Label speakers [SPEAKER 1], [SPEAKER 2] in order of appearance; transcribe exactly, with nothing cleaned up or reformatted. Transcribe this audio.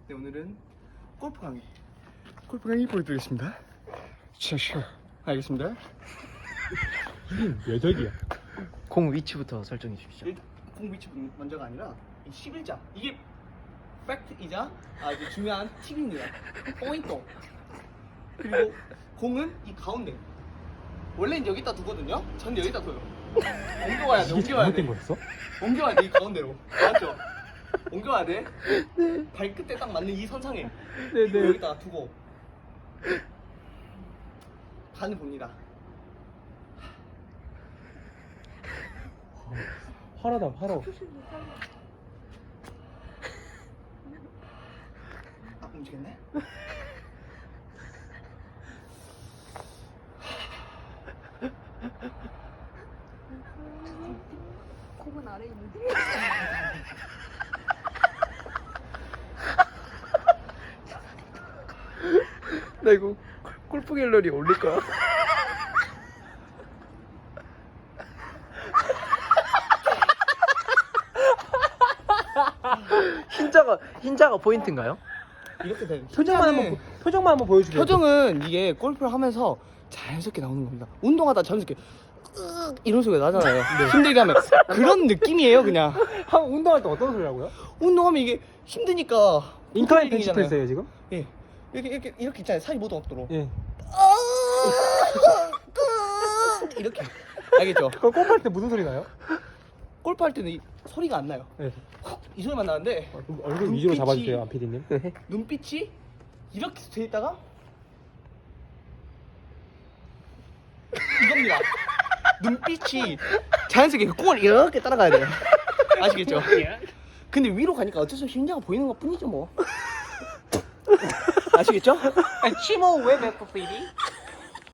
[SPEAKER 1] 네, 오늘은 골프 강의 골프 강의 보여드리겠습니다. 샤샤. 알겠습니다.
[SPEAKER 2] 몇 덕이야?
[SPEAKER 3] 공 위치부터 설정해 주십시오.
[SPEAKER 1] 일단 공 위치 먼저가 아니라 이 십일자 이게 팩트이자 아주 중요한 팁입니다. 포인트. 그리고 공은 이 가운데. 원래는 여기다 두거든요. 전 여기다 둬요. 옮겨와야 돼.
[SPEAKER 2] 이게
[SPEAKER 1] 옮겨와야 돼.
[SPEAKER 2] 잘못된 거였어?
[SPEAKER 1] 옮겨와야 돼. 이 가운데로. 맞죠? 옮겨와야 돼. 발끝에 딱 맞는 이 선상에.
[SPEAKER 2] 네네.
[SPEAKER 1] 여기다가 두고 간을 봅니다.
[SPEAKER 2] 화라다 화로.
[SPEAKER 1] 아, 움직였네?
[SPEAKER 4] 콩은 아래 있는데.
[SPEAKER 3] 나 이거 골프 갤러리 올릴 거야. 흰자가 흰자가 포인트인가요?
[SPEAKER 1] 이렇게 되는
[SPEAKER 2] 표정만 한번 보- 표정만 한번 보여주세요.
[SPEAKER 1] 표정은 이게 골프를 하면서 자연스럽게 나오는 겁니다. 운동하다 자연스럽게 으악 이런 소리가 나잖아요. 힘들게 하면 그런 느낌이에요. 그냥
[SPEAKER 2] 한 운동할 때 어떤 소리라고요?
[SPEAKER 1] 운동하면 이게 힘드니까
[SPEAKER 2] 인카인
[SPEAKER 1] 팬이잖아요.
[SPEAKER 2] 펜치프레스예요 지금?
[SPEAKER 1] 예 이렇게 이렇게 이렇게 있잖아요. 살이 모두 없도록
[SPEAKER 2] 예.
[SPEAKER 1] 이렇게 알겠죠?
[SPEAKER 2] 그거 골프할 때 무슨 소리 나요?
[SPEAKER 1] 골프 할 때는 이 소리가 안 나요.
[SPEAKER 2] 네.
[SPEAKER 1] 이 소리만 나는데
[SPEAKER 2] 어, 그럼 얼굴 위주로
[SPEAKER 1] 눈빛이-
[SPEAKER 2] 잡아주세요, 안 피디님.
[SPEAKER 1] 눈빛이 이렇게 돼 있다가 이겁니다. 눈빛이 자연스럽게 그 공을 이렇게 따라가야 돼요. 아시겠죠? 근데 위로 가니까 어쩔 수 없이 흰자가 보이는 것 뿐이죠 뭐. 아시겠죠?
[SPEAKER 3] 치모 왜 맥코피디?